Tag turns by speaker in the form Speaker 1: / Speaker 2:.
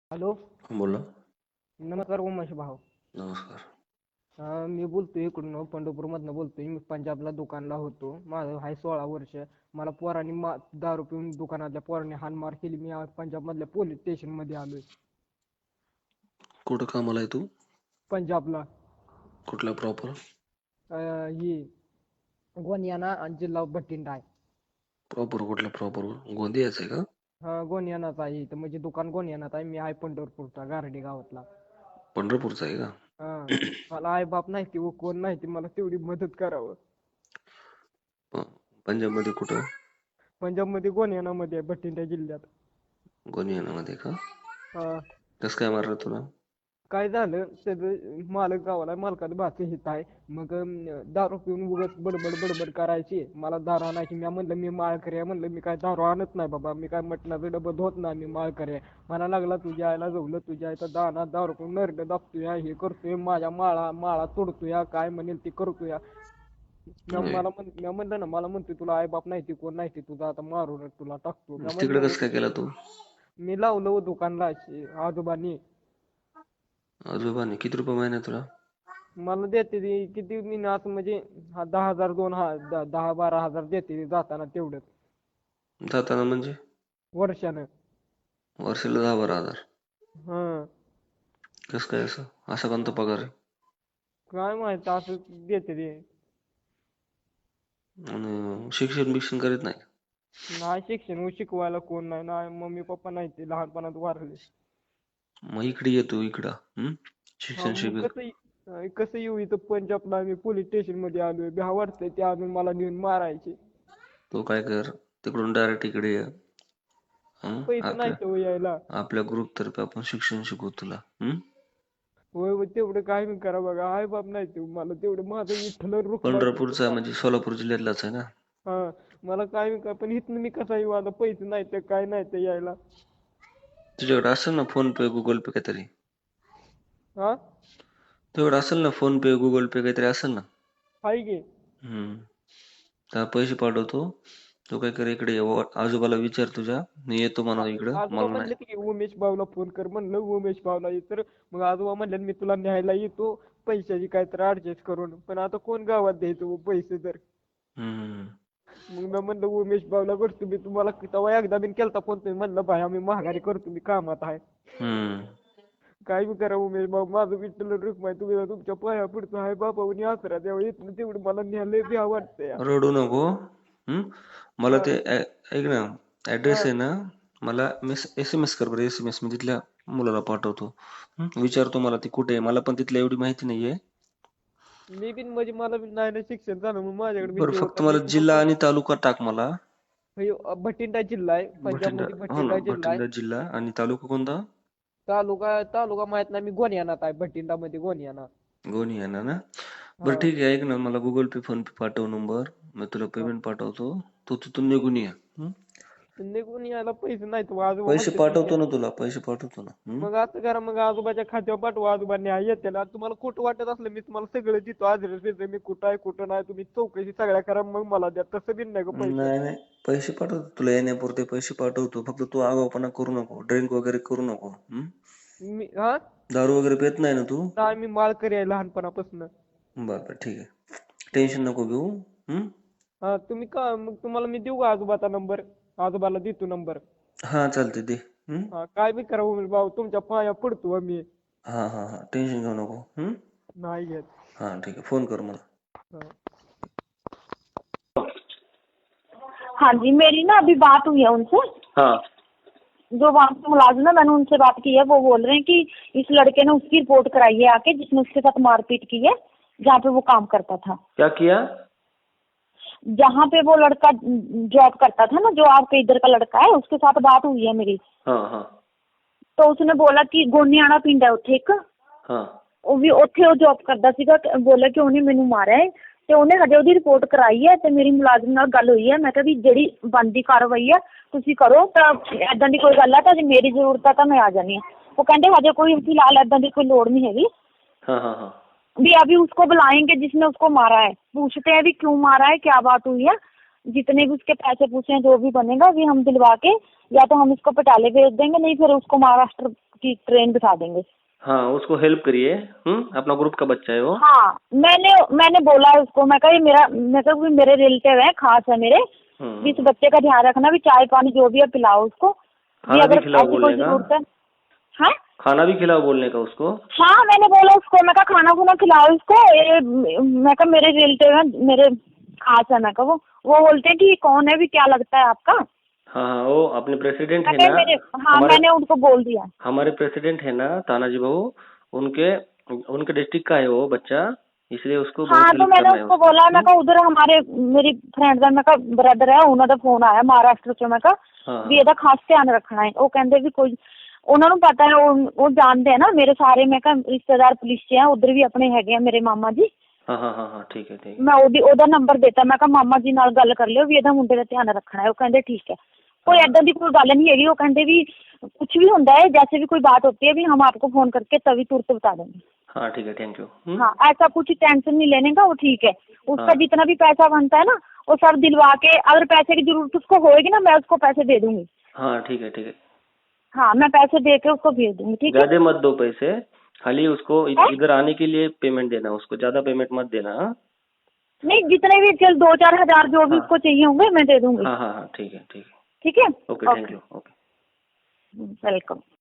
Speaker 1: Hello.
Speaker 2: बोला.
Speaker 1: नमस्कार उमेश भाऊ.
Speaker 2: नमस्कार.
Speaker 1: मी बोलतोय इकडून पंढरपूरमधनं बोलतोय. मी पंजाबला दुकानला होतो. माझं आहे 16 वर्ष. मला पोरांनी दारू पिऊन दुकानातल्या पोरांनी हाणमार केली. मी आज पंजाबमधल्या पोलीस स्टेशनमध्ये आलोय.
Speaker 2: कुठं कामाला आहे तू?
Speaker 1: पंजाबला.
Speaker 2: कुठला प्रॉपर?
Speaker 1: ही गोनियाना आणि जिल्हा भटिंडा आहे.
Speaker 2: प्रॉपर कुठला प्रॉपर? गोंदियाच आहे का?
Speaker 1: गोनियानाच आहे इथं, म्हणजे दुकान गोनियानाच आहे. मी आहे पंढरपूरचा गारडी गावातला.
Speaker 2: पंढरपूरचा आहे का?
Speaker 1: मला आई बाप नाही ती व कोण नाही ती, मला तेवढी मदत करावं.
Speaker 2: पंजाब मध्ये कुठं?
Speaker 1: पंजाबमध्ये गोनियानामध्ये आहे, भटिंडा जिल्ह्यात.
Speaker 2: गोनियानामध्ये का?
Speaker 1: हा.
Speaker 2: कसं काय मारलं तुला?
Speaker 1: काय झालं, त्याचं मालक गावाला, मालकाचं भाचं हित आहे. मग दारू पिऊन उगाच बडबड बडबड करायची. मला दारू आणायची. मी म्हणलं मी माळकरी आहे, म्हणलं मी काय दारू आणत नाही बाबा, मी काय मटणाचं डबं धुत नाही, मी माळकरी आहे. मला लागला तुझ्या आईला जवलं, तुझ्या आईचा दाना दारू पिऊन नरड दाबतोय, हे करतोय, माझ्या माळा तोडतोय, काय म्हणेल ते करतोय. मी म्हणलं ना, मला म्हणतोय तुला आई बाप नाही ती कोण नाही ती, तुझा आता मारून तुला टाकतो. मी
Speaker 2: तिकडे
Speaker 1: म्हणलं
Speaker 2: कसं काय केला तू?
Speaker 1: मी लावलं दुकानला आजोबांनी.
Speaker 2: आजोबाने किती रुपये महिना तुला?
Speaker 1: मला देते ती किती असं म्हणजे 10,000 10-12,000 देते ती जाताना तेवढंच
Speaker 2: जाताना म्हणजे?
Speaker 1: वर्षानं.
Speaker 2: वर्षाला 10-12 हजार?
Speaker 1: हं.
Speaker 2: कसं काय असं? असा कोणता पगार आहे?
Speaker 1: काय माहित असं देते ती.
Speaker 2: आणि शिक्षण बिक्षण करीत नाही?
Speaker 1: नाही शिक्षण शिकवायला कोण नाही, नाही मम्मी पप्पा नाही, ते लहानपणात वारले.
Speaker 2: मग इकडे येतो इकडं शिक्षण
Speaker 1: मग
Speaker 2: शिकत.
Speaker 1: कसं येऊ इथं पंजाबला, मी पोलीस स्टेशन मध्ये आलोय. भ्या वाटतंय ते अजून मला नेऊन मारायचे.
Speaker 2: तो काय कर, तिकडून डायरेक्ट इकडे ये.
Speaker 1: पैसे नाही तर यायला.
Speaker 2: आपल्या ग्रुप तर्फे आपण शिक्षण शिकवू तुला.
Speaker 1: होय तेवढं काय मी करा बघा, आई बाप नाही ते मला तेवढं, माझं विठ्ठल रुक्माई.
Speaker 2: पंढरपूरचा म्हणजे सोलापूर जिल्ह्यातलाच आहे ना?
Speaker 1: हा. मला काय मी काय पण इथनं मी कसा येऊ आता, पैसे नाही तर काय नाही तर यायला.
Speaker 2: तुझ्याकडे असेल ना फोन पे गुगल पे काहीतरी?
Speaker 1: हा.
Speaker 2: तुझ्याकडे असेल ना फोन पे गुगल पे काहीतरी असेल ना?
Speaker 1: हाय की.
Speaker 2: त्या पैसे पाठवतो. तू काय कर, इकडे आजोबाला विचार तुझ्या, मी येतो म्हणा इकडं.
Speaker 1: आजोबा
Speaker 2: मला नाही.
Speaker 1: म्हणले की उमेश भाऊला फोन कर, म्हणलं उमेश भाऊला ये तर मग आजोबा म्हणले मी तुला न्यायला येतो पैशाची काहीतरी ऍडजस्ट करून, पण आता कोण गावात द्यायचं पैसे तर. मग मी म्हणलं उमेश भाऊला करतो मी, तुम्हाला तेव्हा एकदा बिन केलता फोन, तुम्ही म्हणलं भाई आम्ही महागारी करतो, मी कामात आहे. काय बी करा उमेश भाऊ, माझं विठ्ठल रुक्माई, तुम्ही तुमच्या पाया पडतो आहे बाबावनी आसरा द्यावा, इथनं तेवढं मला न्यायला द्या वाटतंय.
Speaker 2: रडू नको. मला ते ऐक ना, ऍड्रेस आहे ना, मला SMS कर बरं. SMS मी तिथल्या मुलाला पाठवतो. विचारतो मला ती कुठे आहे, मला पण तिथल्या एवढी माहिती नाहीये.
Speaker 1: मी बिन म्हणजे मला बी नाही ना शिक्षण झालं, मग माझ्याकडे
Speaker 2: बरं
Speaker 1: भीती
Speaker 2: फक्त
Speaker 1: होता.
Speaker 2: मला जिल्हा आणि तालुका टाक मला.
Speaker 1: भटिंडा जिल्हा आहे पंजाबमध्ये, भटिंडा जिल्हा आहे.
Speaker 2: भटिंडा जिल्हा आणि तालुका कोणता?
Speaker 1: तालुका माहित नाही, मी गोनियानात आहे, भटिंडा मध्ये गोनियाना.
Speaker 2: गोनियाना ना? बरं ठीक आहे, ऐक ना, मला गुगल पे फोन पे पाठव नंबर, मी तुला पेमेंट पाठवतो. तू तिथून निघून ये.
Speaker 1: निघून यायला पैसे नाहीत आजोबा
Speaker 2: पैसे
Speaker 1: म्हणते
Speaker 2: पाठवतो ना तुला, पैसे पाठवतो ना.
Speaker 1: मग असं करा, मग आजोबाच्या खात्यावर पाठवा, आजोबांनी येते ना. तुम्हाला खोटं वाटत असलं मी तुम्हाला सगळं देतो, ऍड्रेस मी कुठं आहे कुठं नाही, तुम्ही चौकशी सगळ्या करा, मग मला द्या. तसं बिन नाही पैसे.
Speaker 2: नाही पैसे पाठवतो तुला, येण्यापुरते पैसे पाठवतो. फक्त तू आगाऊपणा करू नको, ड्रिंक वगैरे करू नको.
Speaker 1: मी
Speaker 2: दारू वगैरे पित नाही ना तू?
Speaker 1: नाही, मी माळकरी आहे लहानपणापासून.
Speaker 2: बरं ठीक आहे, टेन्शन नको घेऊ.
Speaker 1: तुम्ही का मग तुम्हाला मी देऊ का आजोबाचा नंबर? आजोबाला देतो नंबर.
Speaker 2: हा चालते दे.
Speaker 1: काय बी करा उमेश भाऊ, तुमच्या पाया पडतो मी.
Speaker 2: हा टेन्शन घेऊ नको.
Speaker 1: नाही घेत.
Speaker 2: हा ठीक आहे, फोन कर मला.
Speaker 3: हाँ जी, मेरी ना अभी बात हुई है उनसे।
Speaker 2: हाँ।
Speaker 3: जो वहाँ पे मुलाजिम है, मैंने उनसे बात की है। वो बोल रहे हैं कि इस लड़के ने उसकी रिपोर्ट कराई है आके, जिसने उसके साथ मारपीट की है, जहाँ पे वो काम करता था।
Speaker 2: क्या किया?
Speaker 3: जहाँ पे वो लड़का जॉब करता था ना, जो आपके इधर का लड़का है, उसके साथ बात हुई है मेरी।
Speaker 2: हाँ।
Speaker 3: तो उसने बोला कि गोनियाना पिंड है उत्थे एक, ਉਹ ਵੀ ਉੱਥੇ ਉਹ ਜੌਬ ਕਰਦਾ ਸੀਗਾ। ਬੋਲਿਆ ਕਿ ਉਹਨੇ ਮੈਨੂੰ ਮਾਰਿਆ ਹੈ ਤੇ ਉਹਨੇ ਹਜੇ ਉਹਦੀ ਰਿਪੋਰਟ ਕਰਾਈ ਹੈ ਤੇ ਮੇਰੀ ਮੁਲਾਜ਼ਮ ਨਾਲ ਗੱਲ ਹੋਈ ਹੈ। ਮੈਂ ਕਿਹਾ ਵੀ ਜਿਹੜੀ ਬਣਦੀ ਕਾਰਵਾਈ ਹੈ ਤੁਸੀਂ ਕਰੋ, ਤਾਂ ਏਦਾਂ ਦੀ ਕੋਈ ਗੱਲ ਹੈ ਤਾਂ ਜੇ ਮੇਰੀ ਜ਼ਰੂਰਤ ਹੈ ਤਾਂ ਮੈਂ ਆ ਜਾਣੀ ਹਾਂ। ਉਹ ਕਹਿੰਦੇ ਹਜੇ ਕੋਈ ਫਿਲਹਾਲ ਏਦਾਂ ਦੀ ਕੋਈ ਲੋੜ नहीं हैगी।
Speaker 2: हाँ।
Speaker 3: भी अभी उसको बुलाएंगे जिसने उसको मारा है, पूछते हैं भी क्यों मारा है, क्या बात हुई है। जितने भी उसके पैसे पूछे हैं, जो भी बनेगा भी हम दिलवा के, या तो हम इसको पटाले भेज देंगे, नहीं फिर उसको महाराष्ट्र की ट्रेन बिठा देंगे।
Speaker 2: हाँ उसको हेल्प करिए। अपना ग्रुप का बच्चा है वो।
Speaker 3: हाँ मैंने बोला उसको, मैं कहा ये मेरे रिलेटिव है, खास है मेरे, भी इस बच्चे का ध्यान रखना, भी चाय पानी जो भी है पिलाओ उसको, भी
Speaker 2: खाना भी
Speaker 3: अगर
Speaker 2: खिलाओ
Speaker 3: ऐसी कोई
Speaker 2: बोलने का।
Speaker 3: जरूरत है। हाँ
Speaker 2: खाना भी खिलाओ बोलने का उसको।
Speaker 3: हाँ मैंने बोला उसको, मैं कहा खाना खुना खिलाओ इसको, मैं कहा मेरे रिलेटिव है, मेरे खास है, मैं कहा वो बोलते हैं कि ये कौन है, भी क्या लगता है आपका।
Speaker 2: हाँ हाँ वो अपने प्रेसिडेंट है
Speaker 3: मैं कहा
Speaker 2: ना।
Speaker 3: मेरे, हाँ मैंने उनको बोल दिया।
Speaker 2: हमारे प्रेसिडेंट है ना तानाजी बहू, उनके उनके डिस्ट्रिक्ट का है वो बच्चा, इसलिए उसको
Speaker 3: हाँ
Speaker 2: बहुत
Speaker 3: तो
Speaker 2: हेल्प
Speaker 3: मैंने
Speaker 2: करना है
Speaker 3: उसको
Speaker 2: उसको।
Speaker 3: बोला, मैं कहा उधर हमारे मेरी फ्रेंड ਦਾ, मैं कहा ब्रदर है, ਉਹਨਾਂ ਦਾ ਫੋਨ ਆਇਆ ਮਹਾਰਾਸ਼ਟਰ ਚੋਂ, ਮੈਂ ਕਹਾ ਵੀ ਇਹਦਾ ਖਾਸ ਧਿਆਨ ਰੱਖਣਾ ਹੈ। ਉਹ ਕਹਿੰਦੇ ਵੀ ਕੋਈ, ਉਹਨਾਂ ਨੂੰ ਪਤਾ ਹੈ, ਉਹ ਜਾਣਦੇ ਆ ਨਾ ਮੇਰੇ ਸਾਰੇ, ਮੈਂ ਕਹਾ ਰਿਸ਼ਤੇਦਾਰ ਪੁਲਿਸ 'ਚ ਆ, ਉਧਰ ਵੀ ਆਪਣੇ ਹੈਗੇ ਆ ਮੇਰੇ ਮਾਮਾ ਜੀ।
Speaker 2: हाँ हाँ हाँ हाँ ठीक है ठीक है।
Speaker 3: ਮੈਂ ਉਹਦਾ ਨੰਬਰ ਦਿੱਤਾ, ਮੈਂ ਕਹਾ ਮਾਮਾ ਜੀ ਨਾਲ ਗੱਲ ਕਰ ਲਿਓ ਵੀ ਇਹਦਾ ਮੁੰਡੇ ਦਾ ਧਿਆਨ ਰੱਖਣਾ ਹੈ। ਉਹ ਕਹਿੰਦੇ ਠੀਕ है, कोई ऐसा ਦੀ कोई गल नहीं हैगी। वो कहते भी कुछ भी होता है, जैसे भी कोई बात होती है भी हम आपको फोन करके तभी तुरंत बता देंगे।
Speaker 2: हाँ ठीक है थैंक यू।
Speaker 3: हाँ ऐसा कुछ टेंशन नहीं लेने का, वो ठीक है। उसका
Speaker 2: हाँ।
Speaker 3: जितना भी पैसा बनता है ना वो सब दिलवा के, अगर पैसे की जरूरत उसको होएगी ना, मैं उसको पैसे दे दूंगी।
Speaker 2: हाँ ठीक है ठीक है।
Speaker 3: हाँ मैं पैसे दे के उसको भेज दूंगी, ठीक है।
Speaker 2: ज्यादा मत दो पैसे, खाली उसको इधर आने के लिए पेमेंट देना, उसको ज्यादा पेमेंट मत देना। हाँ?
Speaker 3: नहीं जितने भी चल 2-4 हजार जो भी
Speaker 2: हाँ।
Speaker 3: उसको चाहिए होंगे मैं दे दूंगी।
Speaker 2: हाँ हाँ हाँ ठीक है ठीक है।
Speaker 3: ठीक है
Speaker 2: okay thank you. Okay
Speaker 3: welcome.